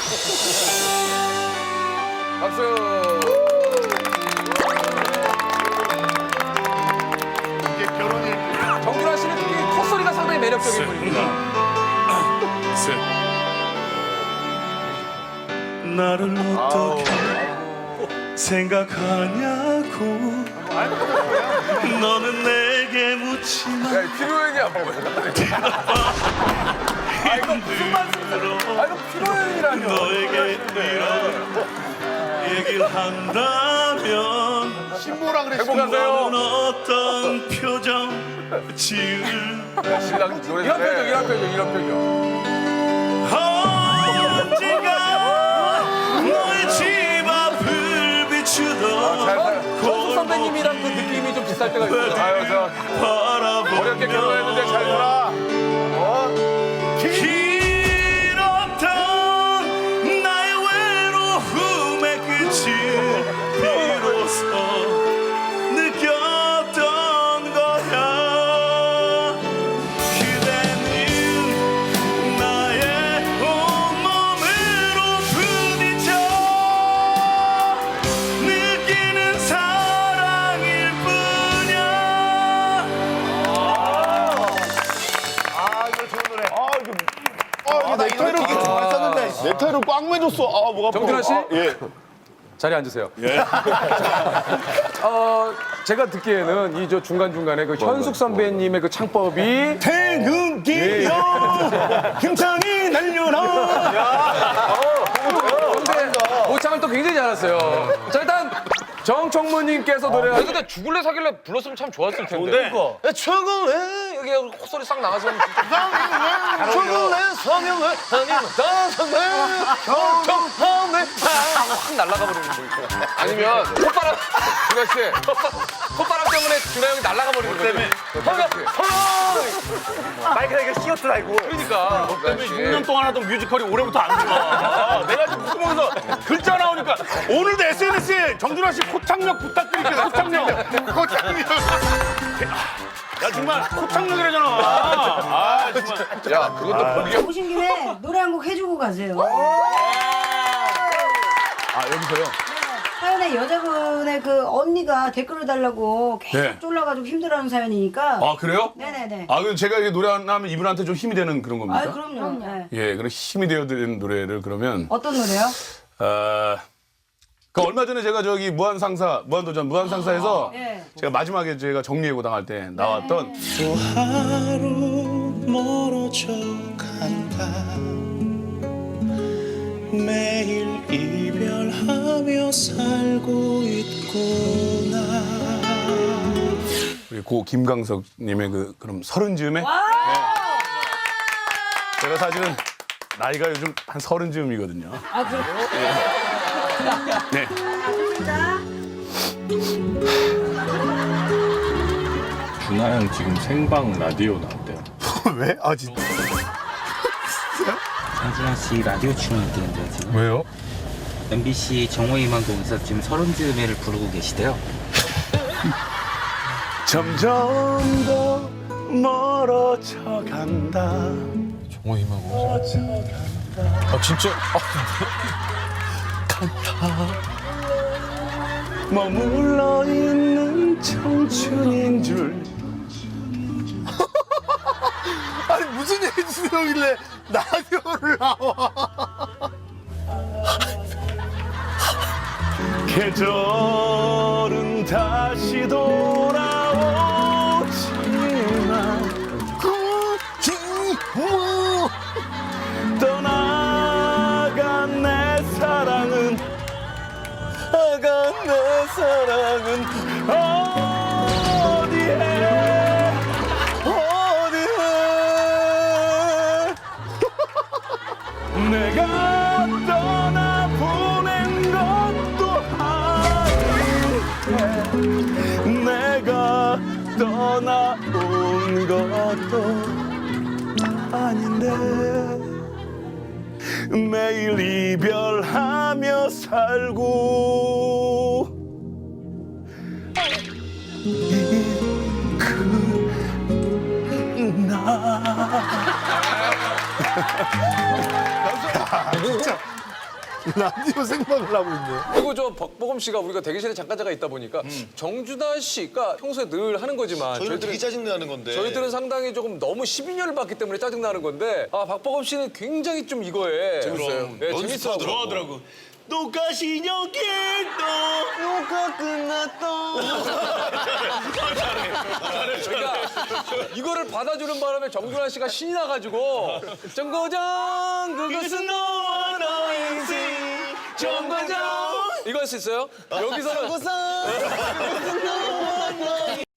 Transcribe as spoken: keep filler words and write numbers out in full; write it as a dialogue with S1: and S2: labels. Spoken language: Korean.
S1: 박수.
S2: 이제 결혼이
S1: 정준하 씨는 특히 콧소리가 상당히 매력적인 분입니다.
S3: 나를 어떻게 생각하냐고 너는 내게 묻지마
S1: 야, 피로연이야 뭐야? 아 이거 무슨 말씀이세요? 아 이거 피로연이라뇨.
S3: 너에게 이런 얘기를 한다면
S2: 신보라 그래. 신보.
S1: 행복하세요.
S3: 너는 어떤 표정 지을
S1: 신랑 노래 이런 표정, 이런 표정, 이런 표정.
S3: 언젠가 너의 집 앞을 비추던
S1: 전수 선배님이랑 그 느낌이 좀 비쌀 때가 있어요. 아유 저
S3: 바라보며
S1: 어렵게 결혼했는데 잘 살아.
S3: 길었던 나의 외로움의 끝을 비로소 느꼈던 거야 그대는 나의 온몸으로 부딪혀 느끼는 사랑일 뿐이야
S2: 아 이거 좋은 노래. 아 이거 아 이거 넥타이를 되게 잘 썼는데 넥타이를 꽉 매줬어. 아 뭐가
S1: 정준하 씨?
S2: 아, 예.
S1: 자리에 앉으세요. 어, 제가 듣기에는 이 저 중간중간에 그 현숙 선배님의 그 창법이
S3: 태극기여 힘차게 날려라
S1: 근데 모창을 또 굉장히 잘했어요. 자, 일단 정청무님께서 노래. 아니, 근데 죽을래 사길래 불렀으면 참 좋았을 텐데. 좋은데? 최근에 여기 콧소리 싹 나가서 최근에 성형을 아니면 다성을 경청하네 확 날아가 버리는 거 있고. 아니면 콧바람 준하 씨 콧바람 때문에 준하 형이 날아가 버리는 거 때문에. 성형 성형
S4: 마이크가 이게 씨어트 알고.
S1: 그러니까.
S4: 때문에 육 년 동안 하던 뮤지컬이 올해부터 안 들어가. 내가 지금 구멍에서 글자 나오니까 오늘도 에스엔에스에 정준하 씨 코창력 부탁드릴게요. 코창력.
S2: 고장님.
S4: 야 정말 코창력이라잖아. 아 정말.
S1: 야 그것도 보기.
S5: 오신 김에 노래 한 곡 해주고 가세요.
S4: 아 여기서요?
S5: 사연에 여자분의 그 언니가 댓글을 달라고 계속
S4: 네.
S5: 쫄라가지고 힘들어하는 사연이니까.
S4: 아 그래요?
S5: 네네네.
S4: 아 그럼 제가 이렇게 노래 하나 하면 이분한테 좀 힘이 되는 그런 겁니까?
S5: 아 그럼요. 네.
S4: 예, 그럼 힘이 되어 드리는 노래를 그러면
S5: 어떤 노래요?
S4: 어, 그 얼마 전에 제가 저기 무한상사, 무한도전 무한상사에서
S5: 네.
S4: 제가 마지막에 제가 정리해고 당할 때 나왔던
S3: 또 하루 멀어져 간다 매일 이별하며 살고 있구나
S4: 우리 고 김강석님의 그 그럼 서른 즈음에 네. 제가 사실은 나이가 요즘 한 서른 즈음이거든요.
S5: 아 그래요?
S4: 네.
S5: 자.
S6: 준하 형 지금 생방 라디오 나왔대요.
S2: 왜? 아 진짜.
S7: 정준하 씨 라디오 출연했는데 지금
S1: 왜요?
S7: 엠비씨 정호희망동에서 지금 서른 즈음에를 부르고 계시대요.
S3: 점점 더 멀어져 간다.
S1: 정호희망고. 아 진짜.
S3: 머물러 있는 청춘인 줄
S2: 아니 무슨 얘기길래 라디오를 나와?
S3: 계절은 다시 돌아오지만
S2: 뭐?
S3: 떠나간 내 사랑은 아간 내 사랑은 어디에 어디에 내가 떠나보낸 것도 아닌데 내가 떠나온 것도 아닌데 매일 이별하며 살고 있구나.
S2: 진짜 라디오 생방을 하고 있네.
S1: 그리고 저 박보검 씨가 우리가 대기실에 잠깐 잠깐 있다 보니까 정준하 씨가 평소에 늘 하는 거지만
S2: 저희는 되게
S1: 저희들은
S2: 짜증나는 건데.
S1: 저희들은 상당히 조금 너무 십이 년을 봤기 때문에 짜증나는 건데 아 박보검 씨는 굉장히 좀 이거에 재밌어요. 네, 재밌어.
S2: 좋아하더라고.
S3: 똑같이 여기도
S2: 녹화 끝났다.
S1: 그러니까 이거를 받아주는 바람에 정준하 씨가 신이 나가지고 정거장 그것은 너와 너 인생 정거장 이거 할 수 있어요? 여기서는